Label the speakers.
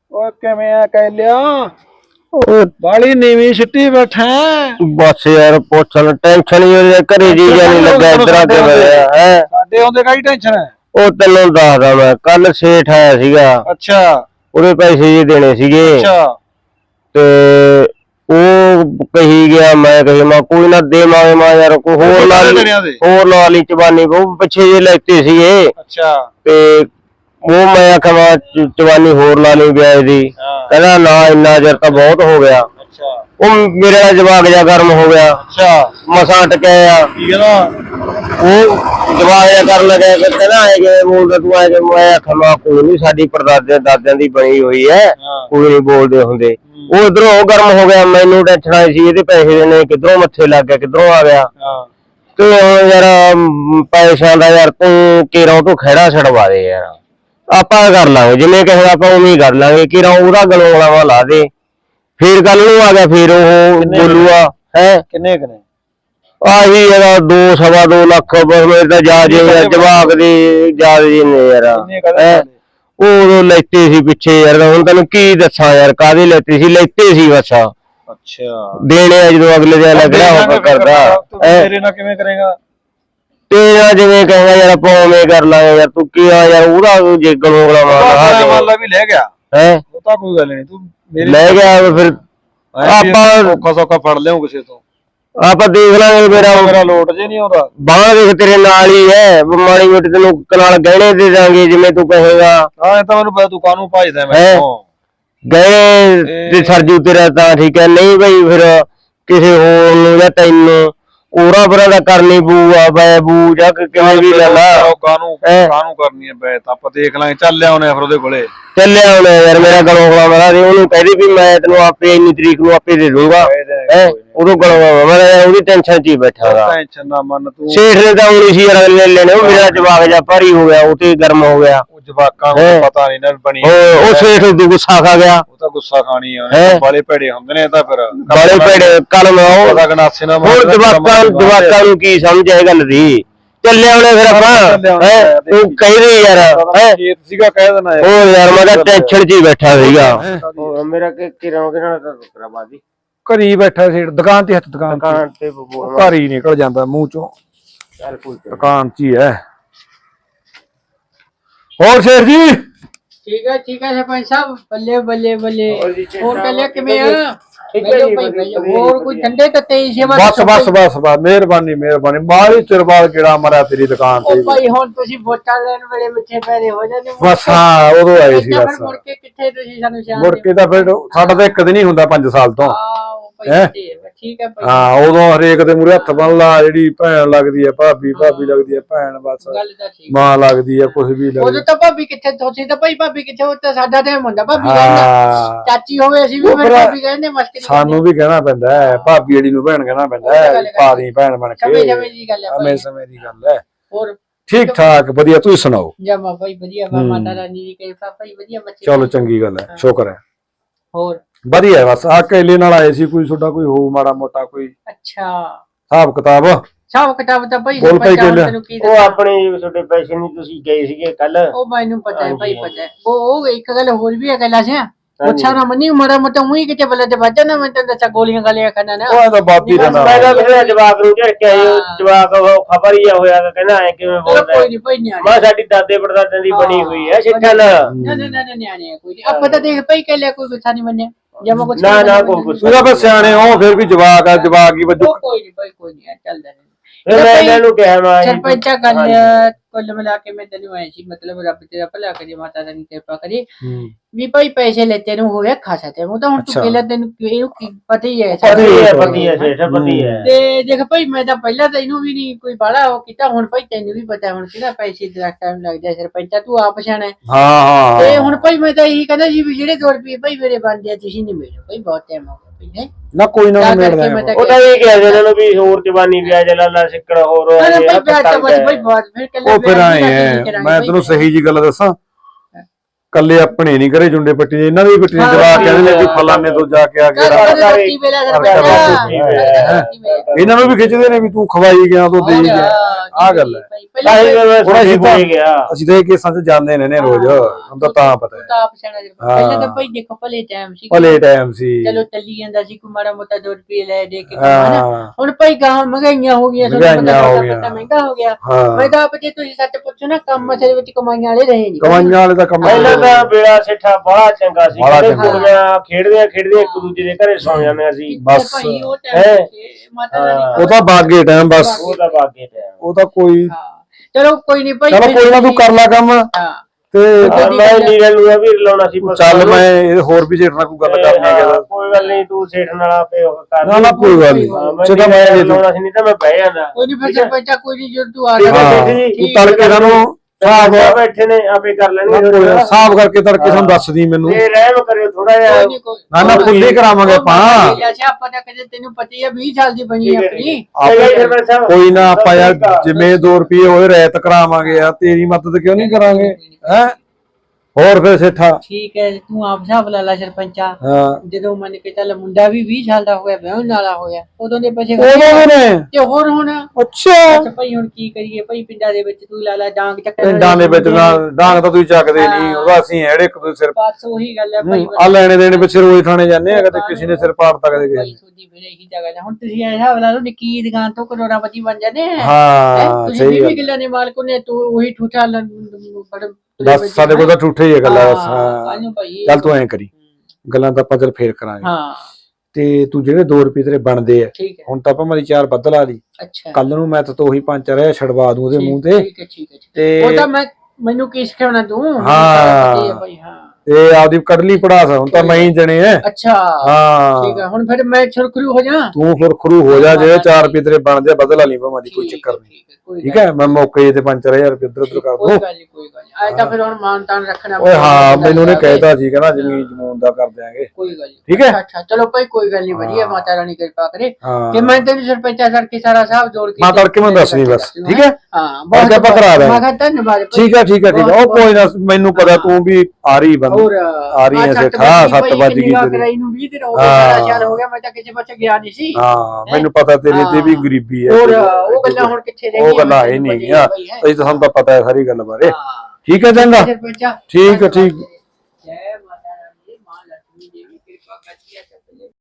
Speaker 1: ਓਏ ਕਿਵੇਂ ਆ ਕਹਿ ਲਿਆ ਬਾਲੀ ਨੀਵੀਂ ਸਿੱਟੀ ਬੈਠਾ
Speaker 2: ਬਸ ਯਾਰ ਪੁੱਛਣ ਟੈਨਸ਼ਨ ਹੀ ਉਹਦੇ ਘਰੇ ਜੀ ਨਹੀਂ ਲੱਗਾ ਇਧਰ ਆ ਕੇ ਬੜਿਆ ਹੈ
Speaker 1: ਸਾਡੇ ਆਉਂਦੇ ਕਾਹਦੀ ਟੈਨਸ਼ਨ ਹੈ।
Speaker 2: ਉਹ ਤੈਨੂੰ ਦੱਸਦਾ ਮੈਂ ਕੱਲ ਸੇਠ ਆਇਆ ਸੀਗਾ।
Speaker 1: ਅੱਛਾ
Speaker 2: ਉਹਦੇ ਪੈਸੇ ਜੀ ਦੇਣੇ ਸੀਗੇ।
Speaker 1: ਅੱਛਾ
Speaker 2: ਤੇ ਉਹ ਕਹੀ ਗਿਆ ਮੈਂ ਕਹੀ ਮੈਂ ਕੋਈ ਨਾ ਦੇਵਾਂਗੇ ਮੈਂ ਯਾਰ ਕੋਈ ਹੋਰ ਲਾ ਲਈ ਚਵਾਨੀ ਉਹ ਪਿੱਛੇ ਜੇ ਲੈਤੇ ਸੀਗੇ।
Speaker 1: ਅੱਛਾ
Speaker 2: ਤੇ ਉਹ ਮੈਂ ਆਖਿਆ ਚਵਾਨੀ ਹੋਰ ਲਾ ਲਈ ਵਿਆਜ ਦੀ। ਕਹਿੰਦਾ ਨਾ ਇੰਨਾ ਚਿਰ ਤਾਂ ਬਹੁਤ ਹੋ ਗਿਆ। ਉਹ ਮੇਰੇ ਨਾਲ ਜਵਾਕ ਜਾ ਗਰਮ ਹੋ ਗਿਆ।
Speaker 1: ਅੱਛਾ
Speaker 2: ਮਸਾਂ ਟਕਿਆ
Speaker 1: ਕੀ ਕਹਿੰਦਾ
Speaker 2: ਉਹ ਜਵਾਕ ਜਾ ਕਰਨ ਲੱਗਿਆ ਕਹਿੰਦਾ ਆਏ ਗਏ ਬੋਲਦਾ ਤੂੰ ਆਏ ਮੈਂ ਆਖਿਆ ਕੋਈ ਨੀ ਸਾਡੀ ਪੜਦਾਦੇ ਦਾਦਿਆਂ ਦੀ ਬਣੀ ਹੋਈ ਹੈ ਕੋਈ ਨੀ ਬੋਲਦੇ ਹੁੰਦੇ। ਉਹ ਇਧਰੋਂ ਉਹ ਗਰਮ ਹੋ ਗਿਆ ਮੈਨੂੰ ਟੈਨਸ਼ਨ ਆਈ ਸੀ ਇਹਦੇ ਪੈਸੇ ਦੇਣੇ ਕਿੱਧਰੋਂ ਮੱਥੇ ਲੱਗ ਗਿਆ ਕਿੱਧਰੋਂ ਆ ਗਿਆ। ਤੇ ਯਾਰ ਪੈਸਿਆਂ ਦਾ ਯਾਰ ਤੂੰ ਕੇਰਾਂ ਤੋਂ ਖਹਿੜਾ ਛਡਵਾ ਦੇ ਯਾਰ ਆਪਾਂ ਕਰ ਲਾਂਗੇ ਜਿਵੇਂ ਕਹੇ ਆਪਾਂ ਉਵੇਂ ਹੀ ਕਰ ਲਾਂਗੇ ਕੇਰਾਂ ਉਹਦਾ ਗਲੋਗਲਾਵਾ ਲਾ ਦੇ ਫੇਰ ਕੱਲ ਨੂੰ ਆ ਗਿਆ ਫੇਰ ਉਹ ਬੋਲੂਆ ਹੈ
Speaker 1: ਕਿੰਨੇ ਕਿੰਨੇ
Speaker 2: ਆਹੀ ਇਹਦਾ 2.2 ਲੱਖ ਮੇਰੇ ਤਾਂ ਜਾ ਜਵਾਕ ਦੀ ਯਾਦ ਜੀ ਨੇ ਯਾਰ ਉਹ ਲੈਤੇ ਸੀ ਪਿੱਛੇ ਯਾਰ ਹੁਣ ਤੈਨੂੰ ਕੀ ਦੱਸਾਂ ਯਾਰ ਕਾਹਦੇ ਲੈਤੇ ਸੀ ਲੈਤੇ ਸੀ ਬਸ।
Speaker 1: ਅੱਛਾ
Speaker 2: ਦੇਣੇ ਜਦੋਂ ਅਗਲੇ ਦਿਨ ਲੱਗਣਾ ਕਰਦਾ
Speaker 1: ਤੇਰੇ ਨਾਲ ਕਿਵੇਂ ਕਰੇਗਾ
Speaker 2: ਤੇਰਾ ਜਿਵੇਂ ਕਹੇਗਾ ਯਾਰ ਆਪਾਂ ਉਵੇਂ ਕਰ ਲਾਂਗੇ ਯਾਰ ਤੂੰ ਕੀ ਆ ਯਾਰ ਉਹਦਾ ਜੇ ਗਲੋਗਲਾ
Speaker 1: ਮਾਰਦਾ ਵੀ ਲੈ ਗਿਆ
Speaker 2: ਹੈ
Speaker 1: ਉਹ ਤਾਂ ਕੋਈ ਗੱਲ ਨਹੀਂ ਤੂੰ
Speaker 2: ਲੈ ਗਿਆ ਫਿਰ ਆਪਾਂ
Speaker 1: ਔਖਾ ਸੌਖਾ ਫੜ ਲਿਆਉਂ ਕਿਸੇ ਤੋਂ
Speaker 2: ਆਪਾਂ ਦੇਖ ਲਾਂਗੇ ਮੇਰਾ
Speaker 1: ਲੋਟ ਜੇ ਨਹੀਂ ਆਉਂਦਾ
Speaker 2: ਬਾਹਰ ਦੇਖ ਤੇਰੇ ਨਾਲ ਹੀ ਹੈ ਮਾੜੀ ਮੋਟੀ ਤੈਨੂੰ ਨਾਲ ਗਹਿਣੇ ਦੇ ਦਾਂਗੇ ਜਿਵੇਂ ਤੂੰ ਕਹੇਗਾ।
Speaker 1: ਹਾਂ ਇਹ ਤਾਂ ਮੈਨੂੰ ਪਤਾ ਤੂੰ ਕਾਹਨੂੰ ਭਜਦਾ ਮੈਂ
Speaker 2: ਗਏ ਤੇ ਸਰਜੂ ਤੇਰਾ ਤਾਂ ਠੀਕ ਹੈ ਨਹੀਂ ਬਈ ਫਿਰ ਕਿਸੇ ਹੋਰ ਨੂੰ ਜਾਂ ਤੈਨੂੰ ਉਹਰਾ ਬਰਾ ਦਾ ਕਰਨੀ ਬੂਆ ਬੈ ਬੂ ਜਾਂ ਕਿਵੇਂ ਵੀ ਲੈ ਲਾ
Speaker 1: ਕਾਹਨੂੰ ਕਰਨੀ ਹੈ ਬੈ ਤਾਂ ਆਪਾਂ ਦੇਖ ਲਾਂਗੇ ਚੱਲ ਲਿਆਉਣੇ ਫਿਰ ਉਹਦੇ ਕੋਲੇ
Speaker 2: ਚੱਲਿਆ ਹੁਣ ਯਾਰ ਮੇਰਾ ਗਲੋਗਲਾ ਮਾਰਾ ਦੇ ਉਹਨੂੰ ਕਹਦੇ ਵੀ ਮੈਂ ਤੈਨੂੰ ਆਪੇ ਇੰਨੀ ਤਰੀਕ ਨੂੰ ਆਪੇ ਦੇ ਦੂੰਗਾ ਉਦੋਂ ਗਲੋਗਲਾ ਮੈਂ ਉਹਦੀ ਟੈਨਸ਼ਨ ਚ ਹੀ ਬੈਠਾ ਗਾ।
Speaker 1: ਟੈਨਸ਼ਨ ਨਾ ਮੰਨ ਤੂੰ
Speaker 2: ਸੇਠ ਨੇ ਤਾਂ ਉਨੀ ਸੀ ਯਾਰ ਅਗਲੇ ਲੈਣੇ ਉਹ ਮੇਰਾ ਜਵਾਕ ਜਾ ਭਾਰੀ ਹੋ ਗਿਆ ਉਹ ਤੇ ਗਰਮ ਹੋ ਗਿਆ
Speaker 1: ਉਹ ਜਵਾਕਾਂ ਨੂੰ ਪਤਾ ਨਹੀਂ ਨਾ ਬਣੀ
Speaker 2: ਉਹ ਸੇਠ ਉਦੋਂ ਗੁੱਸਾ ਖਾ ਗਿਆ
Speaker 1: ਉਹ ਤਾਂ ਗੁੱਸਾ ਖਾਣੀ ਆ ਬਾਲੇ ਭੇੜੇ ਹੁੰਦੇ ਨੇ ਤਾਂ ਫਿਰ
Speaker 2: ਬਾਲੇ ਭੇੜੇ ਕਲਮ ਉਹ
Speaker 1: ਗਨਾਸੇ ਨਾ
Speaker 2: ਹੋਰ ਜਵਾਕਾਂ ਨੂੰ ਕੀ ਸਮਝ ਆਏ ਗੱਲ ਦੀ ਚੱਲਿਆ ਉਹਨੇ ਫਿਰ ਆਪਾਂ ਤੂੰ ਕਹਿ ਰਹੀ ਯਾਰ
Speaker 1: ਖੇਤ ਸੀਗਾ ਕਹਿ ਦੇਣਾ
Speaker 2: ਉਹ ਯਾਰ ਮੈਂ ਤਾਂ ਟੈਨਸ਼ਨ ਚ ਹੀ ਬੈਠਾ ਸੀਗਾ ਮੇਰਾ ਕਿਰਾਂ ਕਿਹਨਾਂ ਦਾ ਕਰਾਬਾਦੀ
Speaker 1: ਘਰੀ ਬੈਠਾ ਸੀ ਦੁਕਾਨ ਤੇ ਹੱਥ ਦੁਕਾਨ
Speaker 2: ਤੇ
Speaker 1: ਘਰ ਹੀ ਨਿਕਲ ਜਾਂਦਾ ਮੂੰਹ ਚੋਂ ਦੁਕਾਨ ਚ ਹੀ ਹੈ। ਹੋਰ ਸ਼ੇਰ ਜੀ
Speaker 3: ठीक है सरपंच साहब बल्ले बल्ले बल्ले और कल किमें और कोई ठंडे तत्ते सेवा
Speaker 1: बस बस बस बस मेहरबानी मेहरबानी मारी चिरबाल कीड़ा मरा तेरी दुकान ते
Speaker 3: भाई हुन तुसी वोटां लेन वेले मिठे पैरे हो जांदे
Speaker 1: बस हां उदों आए सी बस
Speaker 3: मुड़ के किथे तुसी सानू शान
Speaker 1: मुड़ के ਤਾਂ ਫਿਰ ਸਾਡਾ ਤਾਂ ਇੱਕ ਦਿਨ ਹੀ ਹੁੰਦਾ 5 ਸਾਲ ਤੋਂ
Speaker 3: ठीक है भाई
Speaker 1: ਹਾਂ ਉਦੋਂ ਹਰੇਕ ਦੇ ਮੂਰੇ ਹੱਥ ਬੰਨ ਲਾ ਜਿਹੜੀ ਭੈਣ ਲੱਗਦੀ ਹੈ ਭਾਬੀ ਲੱਗਦੀ ਹੈ ਭੈਣ ਬਸ
Speaker 3: ਗੱਲ ਤਾਂ ਠੀਕ
Speaker 1: ਮਾਂ ਲੱਗਦੀ ਹੈ ਕੁਝ ਵੀ
Speaker 3: ਉਦੋਂ
Speaker 1: ਲੱਗਦੀ
Speaker 3: ਤਾਂ ਭਾਬੀ ਕਿੱਥੇ ਤੁਸੀਂ ਤਾਂ ਭਾਬੀ ਕਿੱਥੇ ਉਹ ਤਾਂ ਸਾਡਾ ਟਾਈਮ ਹੁੰਦਾ ਭਾਬੀ ਕਹਿੰਦਾ ਚਾਚੀ ਹੋਵੇ ਅਸੀਂ ਵੀ ਫਿਰ ਭਾਬੀ ਕਹਿੰਦੇ ਮਸਤੀ
Speaker 1: ਸਾਨੂੰ ਵੀ ਕਹਿਣਾ ਪੈਂਦਾ ਹੈ ਭਾਬੀ ਜਿਹੜੀ ਨੂੰ ਭੈਣ ਕਹਿਣਾ ਪੈਂਦਾ ਹੈ ਪਾਦੀ ਭੈਣ ਬਣ ਕੇ
Speaker 3: ਸਮੇਂ ਦੀ ਗੱਲ ਹੈ
Speaker 1: ਸਮੇਂ ਦੀ ਗੱਲ ਹੈ।
Speaker 3: ਹੋਰ
Speaker 1: ਠੀਕ ਠਾਕ ਵਧੀਆ ਤੁਸੀਂ ਸੁਣਾਓ
Speaker 3: ਜਮਾ ਭਾਈ ਵਧੀਆ ਮਾਤਾ ਰਾਣੀ ਦੀ ਕਿਰਪਾ ਭਾਈ ਵਧੀਆ ਬੱਚੇ
Speaker 1: ਚਲੋ ਚੰਗੀ ਗੱਲ ਹੈ ਸ਼ੁਕਰ ਹੈ
Speaker 3: ਹੋਰ
Speaker 1: ਵਧੀਆ ਬਸ ਆ ਕੇਲੇ ਨਾਲ ਆਏ ਸੀ ਕੋਈ ਤੁਹਾਡਾ ਕੋਈ ਹੋ ਮਾੜਾ ਮੋਟਾ ਕੋਈ
Speaker 3: ਅੱਛਾ
Speaker 1: ਹਿਸਾਬ ਕਿਤਾਬ
Speaker 3: ਤਾਂ ਭਾਈ
Speaker 2: ਉਹ ਆਪਣੇ ਤੁਹਾਡੇ ਪੈਸੇ ਨਹੀਂ ਤੁਸੀਂ ਗਏ ਸੀਗੇ ਕੱਲ
Speaker 3: ਉਹ ਮੈਨੂੰ ਪਤਾ ਹੈ ਭਾਈ ਪਤਾ ਹੈ ਉਹ ਇੱਕ ਗੱਲ ਹੋਰ ਵੀ ਹੈ ਗੱਲਾਂ ਸਿਆ ਅੱਛਾ ਨਾ ਮੰਨੀ ਮਾੜਾ ਮੋਟਾ ਉਹੀ ਕਿਤੇ ਬਲੇ ਤੇ ਵੱਜਾ ਨਾ ਮੈਂ ਤੈਨੂੰ ਦੱਸਾਂ ਗੋਲੀਆਂ ਗਾਲੀਆਂ ਖਾਣਾ ਨਾ
Speaker 1: ਉਹ ਤਾਂ ਬਾਬੀ ਦਾ ਨਾਮ
Speaker 2: ਮੈਂ ਤਾਂ ਮੇਰੇ ਜਵਾਕ ਨੂੰ ਝੜਕਿਆ ਜਵਾਕ ਖਬਰ ਹੀ ਹੋਇਆ ਕਹਿੰਦਾ ਐ ਕਿਵੇਂ ਬੋਲਦਾ
Speaker 3: ਕੋਈ ਨਹੀਂ ਭਾਈ ਨਿਆਣੇ
Speaker 2: ਮੈਂ ਸਾਡੀ ਦਾਦੇ ਪੜਦਾਦਿਆਂ ਦੀ ਬਣੀ ਹੋਈ ਹੈ ਸਿੱਖਾਂ ਨਾਲ
Speaker 3: ਨਾ ਨਿਆਣੇ ਕੋਈ ਨਹੀਂ ਆਪਾਂ ਤਾਂ ਦੇਖ ਭਾਈ ਕਹਿ ਲਿਆ ਕੋਈ ਗੁੱਸਾ ਨਹੀਂ ਮੰਨਿਆ ਜਮਾ ਕੁਛ
Speaker 2: ਨਾ ਕੋਈ ਗੁੱਸਾ
Speaker 1: ਬਸ ਸਿਆਣੇ ਹੋ ਫਿਰ ਵੀ ਜਵਾਕ ਆ ਜਵਾਕ ਹੀ ਵੱਜੂ
Speaker 3: ਕੋਈ ਨਹੀਂ ਭਾਈ ਕੋਈ ਨਹੀਂ ਚੱਲਦਾ
Speaker 2: ਇਹਨਾਂ ਨੂੰ ਕਿਹਾ ਮੈਂ
Speaker 3: ਸਰਪੰਚਾ ਗੱਲ ਕੁੱਲ ਮਿਲਾ ਕੇ ਮੈਂ ਤੈਨੂੰ ਆਇਆ ਸੀ ਮਤਲਬ ਰੱਬ ਤੇਰਾ ਭਲਾ ਕਰੇ ਮਾਤਾ ਰਾਣੀ ਕਿਰਪਾ ਕਰੇ ਵੀ ਭਾਈ ਪੈਸੇ ਲੈਤੇ ਨੂੰ ਹੋ ਗਿਆ ਖਾਸਾ ਤੇ ਉਹ ਤਾਂ ਹੁਣ ਤੂੰ ਪਹਿਲਾਂ ਤੈਨੂੰ ਇਹਨੂੰ ਪਤਾ ਹੀ ਹੈ ਤੇ ਦੇਖ ਭਾਈ ਮੈਂ ਤਾਂ ਪਹਿਲਾਂ ਤਾਂ ਇਹਨੂੰ ਵੀ ਨਹੀਂ ਕੋਈ ਬਾਲਾ ਉਹ ਕੀਤਾ ਹੁਣ ਭਾਈ ਤੈਨੂੰ ਵੀ ਪਤਾ ਹੁਣ ਕਿਹੜਾ ਪੈਸੇ ਦਾ ਟਾਈਮ ਲੱਗਦਾ ਸਰਪੰਚਾ ਤੂੰ ਆਪ ਸਿਆਣਾ
Speaker 1: ਹਾਂ
Speaker 3: ਤੇ ਹੁਣ ਭਾਈ ਮੈਂ ਤਾਂ ਇਹੀ ਕਹਿੰਦਾ ਜੀ ਵੀ ਜਿਹੜੇ 2 ਰੁਪਏ ਭਾਈ ਮੇਰੇ ਬਣਦੇ ਆ ਤੁਸੀਂ ਨਹੀਂ ਮਿਲੋ ਭਾਈ ਬਹੁਤ ਟਾਈਮ ਹੋ ਗਿਆ
Speaker 1: ਨਾ ਕੋਈ ਨਾ ਮਿਲਦਾ
Speaker 2: ਉਹ ਤਾਂ ਇਹ ਕਹਿ ਦੇ ਇਹਨਾਂ ਨੂੰ ਵੀ ਹੋਰ ਜਵਾਨੀ ਵਿਆਜ ਲਾਲਾ ਸਿੱਕੜ ਹੋਰ
Speaker 1: ਉਹ ਫਿਰ ਆਏ ਹੈ ਮੈਂ ਤੈਨੂੰ ਸਹੀ ਜੀ ਗੱਲ ਦੱਸਾਂ ਕੱਲੇ ਆਪਣੇ ਨਹੀਂ ਕਰੇ ਜੁੰਡੇ ਪੱਟੀ ਇਹਨਾਂ ਦੇ ਵੀ ਪੱਟੀ ਜਵਾਬ ਕਹਿੰਦੇ ਨੇ ਵੀ ਫਲਾਣੇ ਤੋਂ ਜਾ ਕੇ ਆ ਗਿਆ ਇਹਨਾਂ ਨੂੰ ਵੀ ਖਿੱਚਦੇ ਨੇ ਵੀ ਤੂੰ ਖਵਾਈ ਗਿਆ ਤੂੰ ਦੇਈ ਗਿਆ ਆ ਗੱਲ ਹੈ ਅਸੀਂ ਤਾਂ ਇਹ ਕੇਸਾਂ 'ਚ ਜਾਂਦੇ ਨੇ ਰੋਜ਼ ਹੁਣ ਤਾਂ ਪਤਾ
Speaker 3: ਪਹਿਲਾਂ ਤਾਂ ਭਾਈ ਦੇਖੋ ਭਲੇ ਟਾਈਮ ਸੀ ਚਲੋ ਚੱਲੀ ਜਾਂਦਾ ਸੀ ਕੋਈ ਮਾੜਾ ਮੋਟਾ 2 ਰੁਪਏ ਲੈ ਦੇ ਕੇ ਹੁਣ ਭਾਈ ਗਾਂ ਮਹਿੰਗਾਈਆਂ ਹੋ ਗਈਆਂ ਮਹਿੰਗਾ ਹੋ ਗਿਆ ਮੈਂ ਤਾਂ ਜੇ ਤੁਸੀਂ ਸੱਚ ਪੁੱਛੋ ਨਾ ਕੰਮ ਅਸਲ ਵਿੱਚ ਕਮਾਈਆਂ ਵਾਲੇ ਰਹੇ ਨਹੀਂ
Speaker 1: ਕਮਾਈਆਂ ਵਾਲੇ ਤਾਂ ਕੰਮ
Speaker 2: ਪਹਿਲਾਂ ਤਾਂ ਬੇੜਾ ਸੇਠਾ ਬੜਾ ਚੰਗਾ ਸੀ ਕਿਤੇ ਕੁੜੀਆਂ ਖੇਡਦੇ ਇੱਕ ਦੂਜੇ ਦੇ ਘਰੇ ਸੌਂ ਜਾਂਦੇ ਸੀ
Speaker 1: ਬਸ
Speaker 3: ਉਹ
Speaker 1: ਤਾਂ ਬਾਗੇ ਟਾਈਮ ਬਸ
Speaker 2: ਉਹ ਤਾਂ ਬਾਗੇ ਟਾਈਮ
Speaker 1: ਉਹ ਤਾਂ ਕੋਈ
Speaker 3: ਚਲੋ ਕੋਈ ਨਹੀਂ ਭਾਈ
Speaker 1: ਚਲੋ ਕੋਈ ਨਾ ਤੂੰ ਕਰ ਲੈ ਕੰਮ ਤੇ
Speaker 2: ਮੈਂ ਨੀਰਲ ਨੂੰ ਵੀ ਲਾਉਣਾ ਸੀ
Speaker 1: ਚੱਲ ਮੈਂ ਹੋਰ ਵੀ ਸੇਠ ਨਾਲ ਕੋਈ ਗੱਲ ਕਰਨੀ ਹੈ
Speaker 2: ਕੋਈ ਗੱਲ ਨਹੀਂ ਤੂੰ ਸੇਠ ਨਾਲ ਆਪੇ ਉਹ ਕਰ
Speaker 1: ਨਾ ਕੋਈ ਗੱਲ ਨਹੀਂ ਸਿੱਧਾ ਮੈਂ
Speaker 2: ਲਾਉਣਾ ਸੀ ਨਹੀਂ ਤਾਂ ਮੈਂ ਬਹਿ ਜਾਂਦਾ
Speaker 3: ਕੋਈ ਨਹੀਂ ਫਿਰ ਸਰਪੰਚਾ ਕੋਈ ਨਹੀਂ ਜਦੋਂ ਤੂੰ ਆ
Speaker 1: ਤੂੰ ਤੜਕੇ ਸਾਨੂੰ
Speaker 2: ਸਾਬ ਬੈਠੇ ਨੇ ਆਪੇ ਕਰ ਲੈਣਗੇ
Speaker 1: ਸਾਬ ਕਰਕੇ ਤੜਕੇ ਸਾਨੂੰ ਦੱਸ ਦੀ ਮੈਨੂੰ
Speaker 2: ਇਹ ਰਹਿਮ ਕਰਿਓ ਥੋੜਾ ਜਿਹਾ
Speaker 1: ਨਾ ਫੁੱਲੀ ਕਰਾਵਾਂਗੇ ਆਪਾਂ
Speaker 3: ਆਪਾਂ ਤਾਂ ਕਦੇ ਤੈਨੂੰ ਪਤਾ ਹੀ ਆ 20 ਸਾਲ ਦੀ ਬਣੀ ਆਪਣੀ
Speaker 1: ਕੋਈ ਨਾ ਆਪਾਂ ਯਾਰ ਜਿਵੇਂ 2 ਰੁਪਏ ਹੋਏ ਰਹਿਤ ਕਰਾਵਾਂਗੇ ਯਾਰ ਤੇਰੀ ਮਦਦ ਕਿਉਂ ਨਹੀਂ ਕਰਾਂਗੇ ਹੈ ਹੋਰ ਫਿਰ ਸੇਠਾ
Speaker 3: ਠੀਕ ਹੈ ਤੂੰ ਆਪ ਹਿਸਾਬ ਲਾ ਲੈ ਸਰਪੰਚਾ
Speaker 1: ਹਾਂ
Speaker 3: ਜਦੋਂ ਮੰਨ ਕੇ ਚੱਲ ਮੁੰਡਾ ਵੀ 20 ਸਾਲ ਦਾ ਹੋਇਆ ਵਿਆਹਣ ਵਾਲਾ ਹੋਇਆ ਉਦੋਂ ਦੇ ਪੈਸੇ
Speaker 1: ਨੇ
Speaker 3: ਤੇ ਹੋਰ ਹੁਣ
Speaker 1: ਅੱਛਾ
Speaker 3: ਭਾਈ ਹੁਣ ਕੀ ਕਰੀਏ ਭਾਈ ਪਿੰਡਾਂ ਦੇ ਵਿੱਚ ਤੂੰ ਲਾ ਲੈ ਡਾਂਗ ਚੱਕਰ
Speaker 1: ਪਿੰਡਾਂ ਦੇ ਵਿੱਚ ਡਾਂਗ ਤਾਂ ਤੁਸੀਂ ਚੱਕਦੇ ਨਹੀਂ ਉਹਦਾ ਅਸੀਂ ਐੜੇ ਇੱਕ ਦੂਜੇ ਸਿਰ
Speaker 3: ਬਸ ਉਹੀ ਗੱਲ ਹੈ ਭਾਈ
Speaker 1: ਆ ਲੈਣੇ ਦੇਣੇ ਪਿੱਛੇ ਰੋਜ਼ ਥਾਣੇ ਜਾਂਦੇ ਆ ਕਦੇ ਕਿਸੇ ਨੇ ਸਿਰ ਪਾੜਤਾ ਕਦੇ ਕਿਸੇ ਨੇ
Speaker 3: ਸੋਦੀ ਫਿਰ ਇਹੀ ਜਗ੍ਹਾ ਹੈ ਹੁਣ ਤੁਸੀਂ ਇਹ ਹਿਸਾਬ ਲਾ ਲਓ ਨਿੱਕੀ ਦੁਕਾਨ ਤੋਂ ਕਰੋੜਾਪਤੀ ਬਣ ਜਾਂਦੇ ਆ
Speaker 1: ਹਾਂ ਸਹੀ
Speaker 3: ਵੀ ਕਿੱਲਾ ਨੇ ਮਾਲਕ ਨੇ ਤੂੰ ਉਹੀ ਠੂਠਾ
Speaker 1: ਬਸ ਸਾਡੇ ਕੋਲ ਤਾਂ ਠੂਠੇ ਹੀ ਗੱਲਾਂ ਬਸ
Speaker 3: ਭਾਈ
Speaker 1: ਚੱਲ ਤੂੰ ਐਂ ਕਰੀ ਗੱਲਾਂ ਤਾਂ ਆਪਾਂ ਚੱਲ ਫੇਰ ਕਰਾਂਗੇ
Speaker 3: ਹਾਂ
Speaker 1: ਤੇ ਤੂੰ ਜਿਹੜੇ 2 ਰੁਪਏ ਤੇਰੇ ਬਣਦੇ ਆ ਹੁਣ ਤਾਂ ਆਪਾਂ ਮਾਰੀ 4 ਵੱਧ ਲਾ ਲਈ
Speaker 3: ਅੱਛਾ ਕੱਲ
Speaker 1: ਨੂੰ ਮੈਂ ਤਾਂ ਉਹੀ 5 ਰਹਿ ਛਡਵਾ ਦੂੰ ਉਹਦੇ ਮੂੰਹ ਤੇ
Speaker 3: ਠੀਕ ਹੈ ਤੇ ਉਹ ਤਾਂ ਮੈਨੂੰ ਕੀ ਸਿਖਾਉਣਾ ਤੂੰ
Speaker 1: ਹਾਂ
Speaker 3: ਭਾਈ ਹਾਂ
Speaker 1: ਇਹ ਆਪਦੀ ਕੱਢਲੀ ਪੜਾਸ ਹੁਣ ਤਾਂ ਮੈਂ ਹੀ ਜਣੇ ਆ
Speaker 3: ਅੱਛਾ
Speaker 1: ਹਾਂ
Speaker 3: ਠੀਕ ਹੈ ਹੁਣ ਫਿਰ ਮੈਂ ਸੁਰਖਰੂ ਹੋ ਜਾ
Speaker 1: ਤੂੰ ਸੁਰਖਰੂ ਹੋ ਜਾ ਜਿਹੜੇ 4 ਰੁਪਏ ਤੇਰੇ ਬਣਦੇ ਆ ਬਦਲਾ ਲਈ ਭਾਵੇਂ ਦੀ ਕੋਈ ਚੱਕਰ ਨਹੀਂ ਠੀਕ ਹੈ ਮੈਂ ਮੌਕੇ ਤੇ 5-4000 ਰੁਪਏ ਇੱਧਰ ਉੱਧਰ ਕਰ ਦੂੰ
Speaker 3: ਕੋਈ ਗੱਲ ਨਹੀਂ ਆਏ ਤਾਂ ਫਿਰ ਹੁਣ ਮਾਨਤਾਨ ਰੱਖਣਾ
Speaker 1: ਓਏ ਹਾਂ ਮੈਨੂੰ ਨੇ ਕਹਿਤਾ ਸੀ ਕਹਿੰਦਾ ਜ਼ਮੀਨ ਜਮੂਨ ਦਾ ਕਰ ਦਿਆਂਗੇ
Speaker 3: ਕੋਈ ਗੱਲ ਨਹੀਂ
Speaker 1: ਠੀਕ ਹੈ
Speaker 3: ਅੱਛਾ ਚਲੋ ਭਾਈ ਕੋਈ ਗੱਲ ਨਹੀਂ ਵਧੀਆ ਮਾਤਾ ਰਾਣੀ ਕਿਰਪਾ ਕਰੇ ਕਿ ਮੈਂ ਤੈਨੂੰ ਸਰਪੰਚਾ ਕਰਕੇ ਸਾਰਾ ਸਾਹਿਬ ਜੋੜ ਕੇ
Speaker 1: ਮੈਂ ਤੜਕੇ ਮੈਂ ਦੱਸਣੀ ਬਸ ਠੀਕ ਹੈ
Speaker 3: ਹਾਂ
Speaker 1: ਬਹੁਤ ਆਪਾਂ ਕਰਾ ਦਾਂਗੇ
Speaker 3: ਮੈਂ ਕਹਿੰਦਾ ਧੰਨਵਾਦ
Speaker 1: ਠੀਕ ਹੈ ਉਹ ਕੋਈ ਨਾ ਮੈਨੂੰ ਪਤਾ ਤੂੰ ਵੀ ਆ ਰਹੀ ਬੰਦ ਆ ਰਹੀ ਹੈ ਸੇਠਾ 7 ਵਜ ਗਈ
Speaker 3: ਤੇਰੀ ਨੂੰ 20 ਦਿਨ ਹੋ ਗਏ ਸਾਲ ਹੋ ਗਿਆ ਮੈਂ ਤਾਂ ਕਿਸੇ ਪਾਸੇ ਗਿਆ ਨਹੀਂ ਸੀ
Speaker 1: ਹਾਂ ਮੈਨੂੰ ਪਤਾ ਤੇਰੇ ਤੇ ਵੀ ਗਰੀਬੀ ਹੈ
Speaker 3: ਹੋਰ ਉਹ ਗੱਲਾਂ ਹੁਣ ਕਿੱਥੇ ਰਹਿ ਗਈਆਂ
Speaker 1: ਉਹ ਗੱਲਾਂ ਹੈ ਨਹੀਂ ਅਸੀਂ ਤਾਂ ਸਾਨੂੰ ਤਾਂ ਪਤਾ ਹੈ ਸਾਰੀ ਗੱਲ ਬਾਰੇ ਠੀਕ ਹੈ ਚੰਗਾ
Speaker 3: ਸਰਪੰਚਾ
Speaker 1: ਠੀਕ ਹੈ